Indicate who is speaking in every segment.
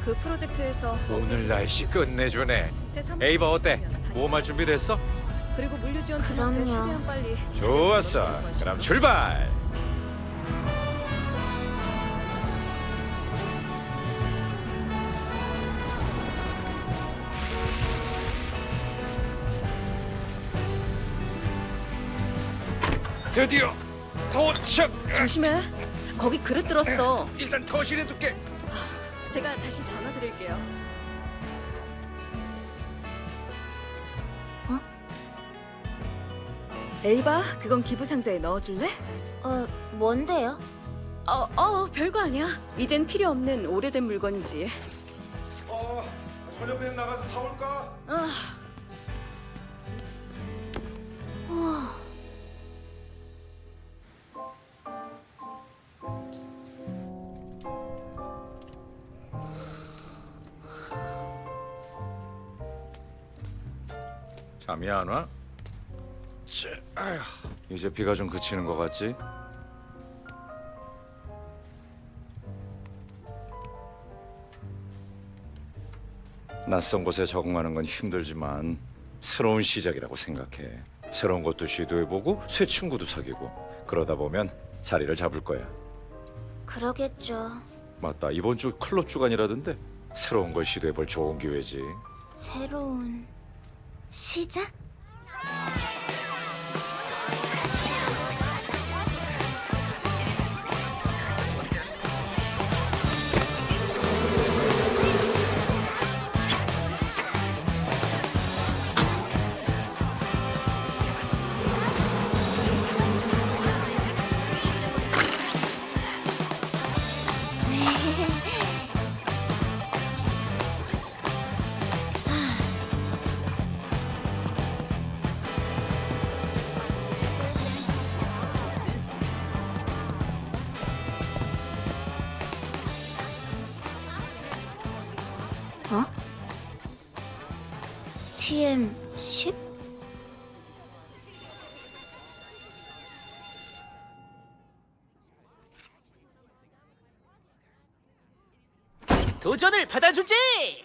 Speaker 1: 그 프로젝트에서
Speaker 2: 오늘 날씨 끝내주네.
Speaker 1: 새 사무실
Speaker 2: 에이바 어때?
Speaker 1: 있으면 다시
Speaker 2: 모험할 준비됐어?
Speaker 1: 그리고 물류 지원 팀한테
Speaker 3: 그럼요.
Speaker 1: 최대한 빨리
Speaker 2: 좋았어. 그럼 출발. 드디어 도착.
Speaker 1: 조심해. 거기 그릇 들었어.
Speaker 2: 일단 거실에 둘게.
Speaker 1: 제가 다시 전화 드릴게요.
Speaker 3: 어?
Speaker 1: 에이바, 그건 기부 상자에 넣어줄래?
Speaker 3: 뭔데요?
Speaker 1: 별거 아니야. 이젠 필요 없는 오래된 물건이지.
Speaker 2: 저녁에 나가서 사올까? 잠이 안 와? 아휴, 이제 비가 좀 그치는 것 같지? 낯선 곳에 적응하는 건 힘들지만 새로운 시작이라고 생각해. 새로운 것도 시도해보고 새 친구도 사귀고 그러다 보면 자리를 잡을 거야.
Speaker 3: 그러겠죠.
Speaker 2: 맞다, 이번 주 클럽 주간이라던데 새로운 걸 시도해볼 좋은 기회지.
Speaker 3: 새로운 시작? 어? TM10?
Speaker 4: 도전을 받아주지!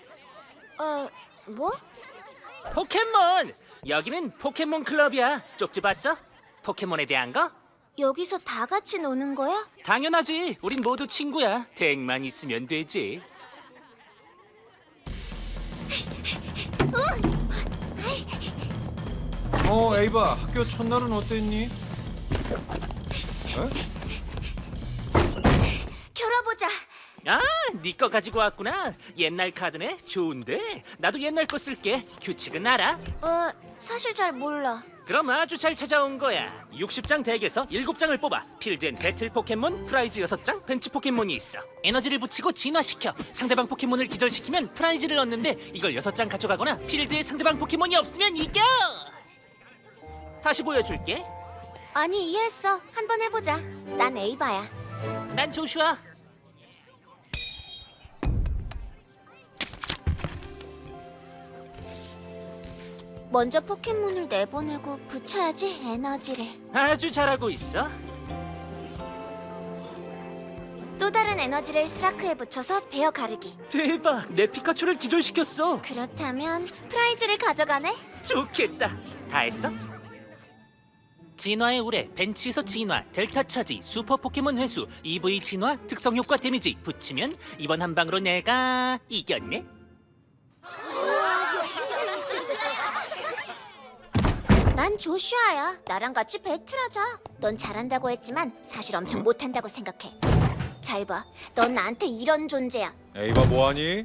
Speaker 3: 뭐?
Speaker 4: 포켓몬! 여기는 포켓몬 클럽이야. 쪽지 봤어? 포켓몬에 대한 거?
Speaker 3: 여기서 다 같이 노는 거야?
Speaker 4: 당연하지. 우린 모두 친구야. 덱만 있으면 되지.
Speaker 5: 에이바, 학교 첫날은 어땠니?
Speaker 3: 겨뤄보자.
Speaker 4: 아, 네 거 가지고 왔구나. 옛날 카드네. 좋은데. 나도 옛날 거 쓸게. 규칙은 알아?
Speaker 3: 사실 잘 몰라.
Speaker 4: 그럼 아주 잘 찾아온 거야. 60장 덱에서 7장을 뽑아. 필드엔 배틀 포켓몬, 프라이즈 6장, 벤치 포켓몬이 있어. 에너지를 붙이고 진화시켜. 상대방 포켓몬을 기절시키면 프라이즈를 얻는데 이걸 6장 가져가거나 필드에 상대방 포켓몬이 없으면 이겨! 다시 보여줄게.
Speaker 3: 아니, 이해했어. 한번 해보자. 난 에이바야.
Speaker 4: 난 조슈아.
Speaker 3: 먼저 포켓몬을 내보내고 붙여야지, 에너지를.
Speaker 4: 아주 잘하고 있어.
Speaker 3: 또 다른 에너지를 스라크에 붙여서 베어 가르기.
Speaker 4: 대박! 내 피카츄를 기절시켰어.
Speaker 3: 그렇다면 프라이즈를 가져가네?
Speaker 4: 좋겠다. 다 했어? 진화의 우레, 벤치에서 진화, 델타 차지, 슈퍼 포켓몬 회수, EV 진화, 특성 효과 데미지 붙이면 이번 한 방으로 내가 이겼네.
Speaker 3: 난 조슈아야. 나랑 같이 배틀하자. 넌 잘한다고 했지만 사실 엄청 못한다고 생각해. 잘 봐. 넌 나한테 이런 존재야.
Speaker 2: 에이바 뭐하니?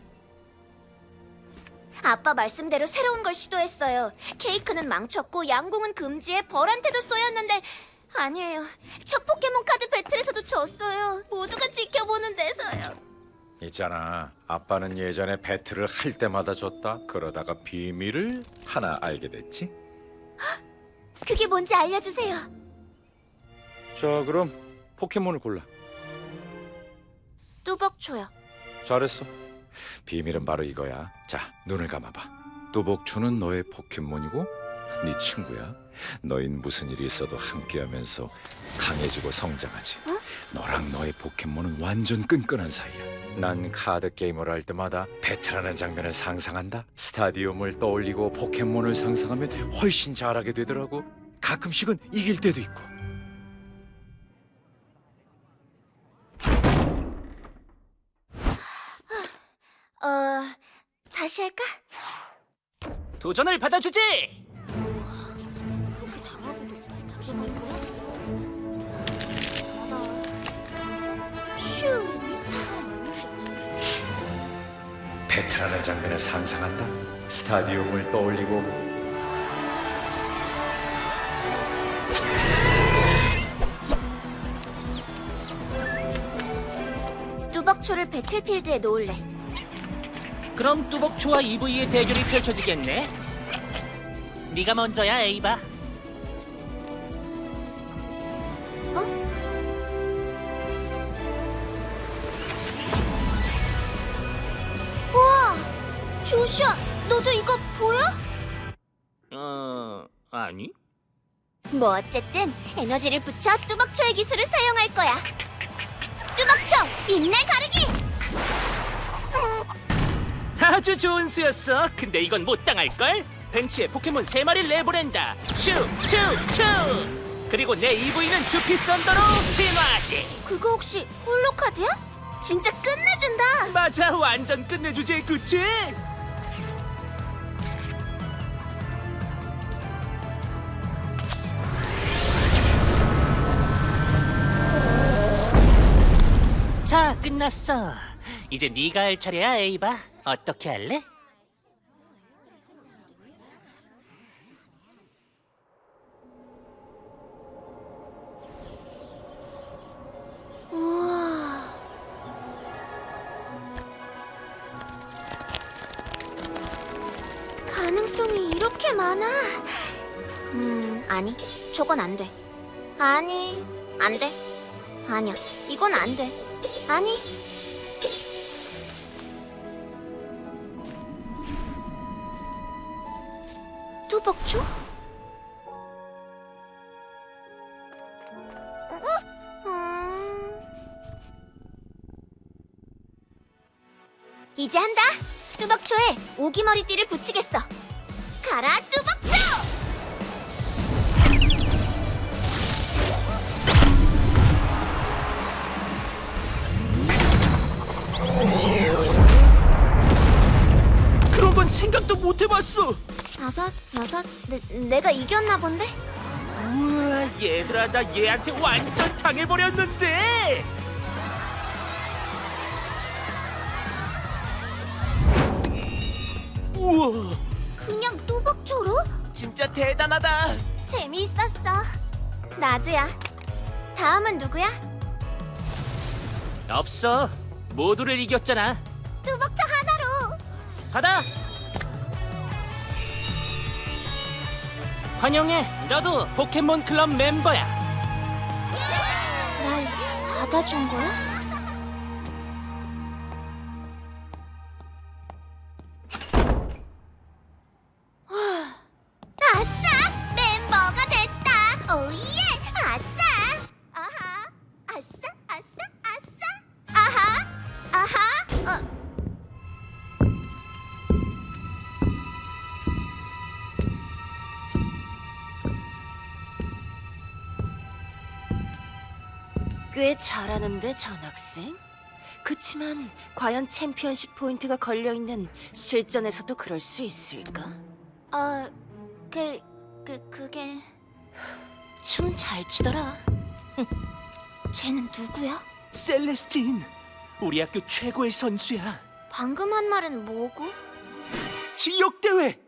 Speaker 3: 아빠 말씀대로 새로운 걸 시도했어요. 케이크는 망쳤고 양궁은 금지에 벌한테도 쏘였는데 아니에요. 첫 포켓몬 카드 배틀에서도 졌어요. 모두가 지켜보는 데서요.
Speaker 2: 있잖아, 아빠는 예전에 배틀을 할 때마다 졌다. 그러다가 비밀을 하나 알게 됐지.
Speaker 3: 그게 뭔지 알려주세요.
Speaker 2: 자, 그럼 포켓몬을 골라.
Speaker 3: 뚜벅초요.
Speaker 2: 잘했어. 비밀은 바로 이거야. 자, 눈을 감아봐. 뚜벅추는 너의 포켓몬이고 네 친구야. 너흰 무슨 일이 있어도 함께하면서 강해지고 성장하지. 너랑 너의 포켓몬은 완전 끈끈한 사이야. 난 카드 게임을 할 때마다 배틀하는 장면을 상상한다. 스타디움을 떠올리고 포켓몬을 상상하면 훨씬 잘하게 되더라고. 가끔씩은 이길 때도 있고.
Speaker 3: 다시 할까?
Speaker 4: 도전을 받아주지.
Speaker 3: 슈.
Speaker 2: 배틀하는 장면을 상상한다. 스타디움을 떠올리고
Speaker 3: 뚜벅초를 배틀필드에 놓을래.
Speaker 4: 그럼 뚜벅초와 EV의 대결이 펼쳐지겠네. 네가 먼저야, 에이바.
Speaker 3: 우와! 조슈아, 너도 이거 보여?
Speaker 4: 아니.
Speaker 3: 뭐 어쨌든 에너지를 붙여 뚜벅초의 기술을 사용할 거야. 뚜벅초, 빛날 가르기!
Speaker 4: 아주 좋은 수였어. 근데 이건 못 당할걸? 벤치에 포켓몬 3마리를 내보낸다. 슈! 그리고 내 EV는 주피 썬더로 진화하지.
Speaker 3: 그거 혹시 홀로카드야? 진짜 끝내준다.
Speaker 4: 맞아, 완전 끝내주지, 그치? 자, 끝났어. 이제 네가 할 차례야, 에이바. 어떻게 할래?
Speaker 3: 우와. 가능성이 이렇게 많아. 아니, 저건 안 돼. 아니, 안 돼. 아니야, 이건 안 돼. 아니. 뚜벅초? 이제 한다. 뚜벅초에 오기머리띠를 붙이겠어. 가라, 뚜벅초!
Speaker 4: 그런 건 생각도 못 해봤어.
Speaker 3: 5, 6, 내가 이겼나 본데?
Speaker 4: 우와, 얘들아, 나 얘한테 완전 당해버렸는데. 우와,
Speaker 3: 그냥 뚜벅초로?
Speaker 4: 진짜 대단하다.
Speaker 3: 재미있었어. 나도야. 다음은 누구야?
Speaker 4: 없어, 모두를 이겼잖아.
Speaker 3: 뚜벅초 하나로.
Speaker 4: 받아. 환영해, 너도 포켓몬 클럽 멤버야.
Speaker 3: 날 받아준 거야? 아싸! 멤버가 됐다! 오예! 아싸! 아하! 아싸! 아싸! 아싸! 아하! 아하!
Speaker 6: 꽤 잘하는데 전학생? 그치만 과연 챔피언십 포인트가 걸려있는 실전에서도 그럴 수 있을까?
Speaker 3: 그게...
Speaker 6: 춤 잘 추더라.
Speaker 3: 쟤는 누구야?
Speaker 4: 셀레스틴, 우리 학교 최고의 선수야.
Speaker 3: 방금 한 말은 뭐고?
Speaker 4: 지역 대회